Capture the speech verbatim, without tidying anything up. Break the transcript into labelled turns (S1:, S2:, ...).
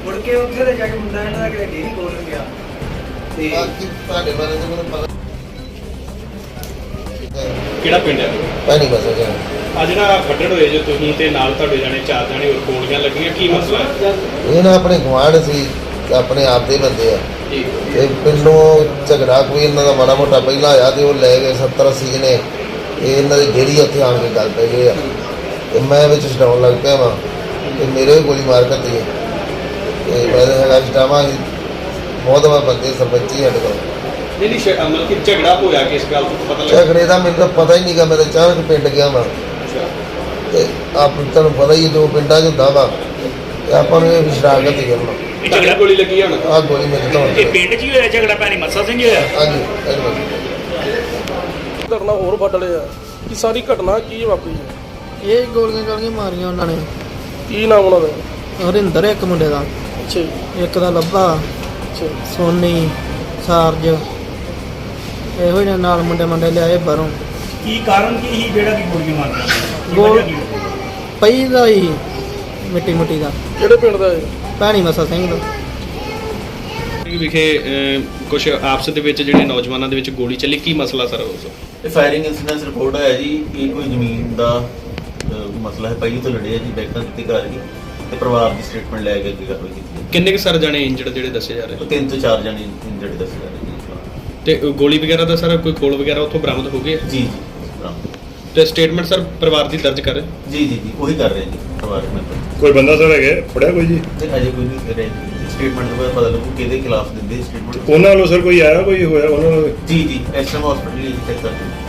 S1: ਮੁੜ ਕੇ ਉੱਥੇ ਤੇ ਜਾ ਕੇ ਮੁੰਡਾ ਇਹਨਾਂ ਦਾ ਕਿਤੇ ਡੇਰੀ ਖੋਲ੍ਹਣ ਗਿਆ ਤੇ
S2: ਬਾਕੀ ਤੁਹਾਡੇ ਬਾਰੇ ਤਾਂ ਮੈਨੂੰ ਪਤਾ
S3: ਕਿਹੜਾ ਪਿੰਡ ਹੈ?
S2: ਪੈਣੀ ਬਸ ਜਾ
S3: ਆ ਜਿਹੜਾ ਫੱਟੜ ਹੋਏ ਜੋ ਤੁਸੀਂ ਤੇ ਨਾਲ ਤੁਹਾਡੇ ਜਾਣੇ ਚਾਰ ਜਾਣੇ ਹੋਰ ਗੋਲੀਆਂ ਲੱਗੀਆਂ, ਕੀ ਮਸਲਾ ਹੈ?
S2: ਇਹ ਨਾ ਆਪਣੇ ਗੁਆਂਢ ਸੀ, ਆਪਣੇ ਆਪ ਦੇ ਬੰਦੇ ਆ
S3: ਜੀ
S2: ਤੇ ਪਿੰਡੋਂ ਝਗੜਾ ਕੋਈ ਇਹਨਾਂ ਦਾ ਮਾੜਾ ਮੋਟਾ ਪਹਿਲਾਂ ਆਇਆ ਤੇ ਉਹ ਲੈ ਗਏ ਸੱਤਰ ਅੱਸੀ ਜਣੇ। ਇਹ ਇਹਨਾਂ ਦੀ ਡੇਰੀ ਉੱਥੇ ਆਣ ਕੇ ਗੱਲ ਪੈ ਗਏ ਆ ਤੇ ਮੈਂ ਵਿੱਚ ਛਡਾਉਣ ਲੱਗ ਪਿਆ ਵਾਂ ਤੇ ਮੇਰੇ ਵੀ ਗੋਲੀ ਮਾਰ ਕਰਦੀ ਹੈ ਤੇ ਮੈਂ ਤਾਂ ਹੈਗਾ ਛਡਾਵਾਂ ਸੀ। ਬਹੁਤ ਵਾਰ ਬੰਦੇ ਸਰਪੰਚੀ ਸਾਡੇ ਕੋਲ
S3: ਨਹੀਂ ਨਹੀਂ ਸ਼- ਮਤਲਬ ਕਿ ਝਗੜਾ ਹੋਇਆ ਕਿਸ ਗੱਲ ਤੋਂ ਪਤਾ ਲੱਗਾ?
S2: ਝਗੜੇ ਦਾ ਮੈਨੂੰ ਤਾਂ ਪਤਾ ਹੀ ਨਹੀਂ ਗਾ। ਮੈਂ ਤਾਂ ਅਚਾਨਕ ਪਿੰਡ ਗਿਆ ਵਾਂ ਤੇ ਆਪ ਤੁਹਾਨੂੰ ਪਤਾ ਹੀ ਹੈ ਜੋ ਪਿੰਡਾਂ 'ਚ ਹੁੰਦਾ ਵਾ ਤੇ ਆਪਾਂ ਨੂੰ ਇਹ ਸ਼ਰਾਰਤ ਹੀ ਕਰਨਾ।
S4: ਇਹ ਝਗੜਾ
S3: ਗੋਲੀ ਲੱਗੀ ਆ ਹੁਣ?
S2: ਆਹ ਗੋਲੀ ਮੇਰੇ ਤੋਂ
S4: ਇਹ ਪਿੰਡ 'ਚ ਹੀ ਹੋਇਆ ਝਗੜਾ, ਭੈਣੀ ਮੱਸਾ ਸਿੰਘ ਹੀ ਹੋਇਆ।
S2: ਹਾਂਜੀ ਧੰਨਵਾਦ।
S5: ਘਟਨਾ ਹੋਰ ਵੱਢ ਲਿਆ ਕਿ ਸਾਰੀ ਘਟਨਾ ਕੀ ਵਾਪਰੀ ਹੈ?
S6: ਇਹ ਗੋਲੀਆਂ ਗਾਲੀਆਂ ਮਾਰੀਆਂ ਉਹਨਾਂ ਨੇ।
S5: ਕੀ ਨਾਮ ਉਹਨਾਂ ਦਾ?
S6: ਹਰਿੰਦਰ ਇੱਕ ਮੁੰਡੇ ਦਾ,
S5: ਅੱਛਾ ਜੀ,
S6: ਇੱਕ ਦਾ ਲੱਭਾ,
S5: ਅੱਛਾ
S6: ਸੋਨੀ, ਸਾਰਜ, ਇਹੋ ਜਿਹੇ ਨਾਲ ਮੁੰਡੇ ਮੁੰਡੇ ਲਿਆਏ ਬਾਹਰੋਂ।
S4: ਕੀ ਕਾਰਨ ਕੀ ਸੀ ਜਿਹੜਾ ਕਿ ਗੋਲੀਆਂ ਮਾਰੀਆਂ? ਕੀ
S6: ਗੋਲ-
S4: ਵਜ੍ਹਾ ਕੀ ਹੋਈ?
S6: ਪਈ ਦਾ ਹੀ ਮਿੱਟੀ ਮੁੱਟੀ ਦਾ,
S5: ਕਿਹੜੇ ਪਿੰਡ ਦਾ ਹੈ?
S6: ਭੈਣੀ ਮੱਸਾ ਸਿੰਘ ਦਾ।
S3: ਵਿਖੇ ਕੁਝ ਆਪਸ ਦੇ ਵਿੱਚ ਜਿਹੜੇ ਨੌਜਵਾਨਾਂ ਦੇ ਵਿੱਚ ਗੋਲੀ ਚੱਲੀ, ਕੀ ਮਸਲਾ ਸਰ ਉਸ?
S7: ਇਹ ਫਾਇਰਿੰਗ ਇਨਸੀਡੈਂਟ ਰਿਪੋਰਟ ਆਇਆ ਜੀ ਕਿ ਕੋਈ ਜ਼ਮੀਨ ਦਾ ਅਹ, ਮਸਲਾ ਹੈ। ਪਹਿਲੀ ਤੋਂ ਲੜੇ ਆ ਜੀ, ਬੈਕਾਂ ਦਿੱਤੀ ਘਰ ਗਈ ਤੇ ਪਰਿਵਾਰ ਦੀ ਸਟੇਟਮੈਂਟ ਲੈ ਕੇ ਅੱਗੇ ਕਾਰਵਾਈ ਕੀਤੀ ਹੈ।
S3: ਕਿੰਨੇ ਕੁ ਸਰ ਜਾਣੇ ਇੰਜਰਡ ਜਿਹੜੇ ਦੱਸੇ ਜਾ ਰਹੇ?
S7: ਉਹ ਤਿੰਨ ਤੋਂ ਚਾਰ ਜਣੇ ਇੰਜਰਡ ਦੱਸੇ ਜਾ ਰਹੇ ਜੀ।
S3: ਤੇ ਗੋਲੀ ਵਗੈਰਾ ਦਾ ਸਰ ਕੋਈ ਖੋਲ ਵਗੈਰਾ ਉੱਥੋਂ ਬਰਾਮਦ ਹੋ ਗਏ?
S7: ਜੀ ਜੀ ਬਰਾਮਦ।
S3: ਤੇ ਸਟੇਟਮੈਂਟ ਸਰ ਪਰਿਵਾਰ ਦੀ ਦਰਜ ਕਰ?
S7: ਜੀ ਜੀ ਜੀ ਉਹੀ ਕਰ ਰਹੇ ਜੀ ਪਰਿਵਾਰਕ ਮੈਂਬਰ।
S8: ਕੋਈ ਬੰਦਾ ਸਰ ਹੈਗਾ ਫੜਿਆ ਕੋਈ ਜੀ?
S7: ਤੇ ਅਜੇ ਕੋਈ ਨਹੀਂ ਕਰ ਰਹੇ। ਸਟੇਟਮੈਂਟ ਤੋਂ ਬਾਅਦ ਪਤਾ ਲੱਗੂ ਕਿਹਦੇ ਖਿਲਾਫ ਦਿੰਦੇ ਸਟੇਟਮੈਂਟ।
S8: ਉਹਨਾਂ ਵੱਲੋਂ ਸਰ ਕੋਈ ਆਇਆ ਕੋਈ ਹੋਇਆ ਉਹਨਾਂ ਨੂੰ?
S7: ਜੀ ਜੀ ਐਸ ਐਮ ਹਸਪੀਟਲ ਹੀ ਚੈੱਕ ਕਰਦੇ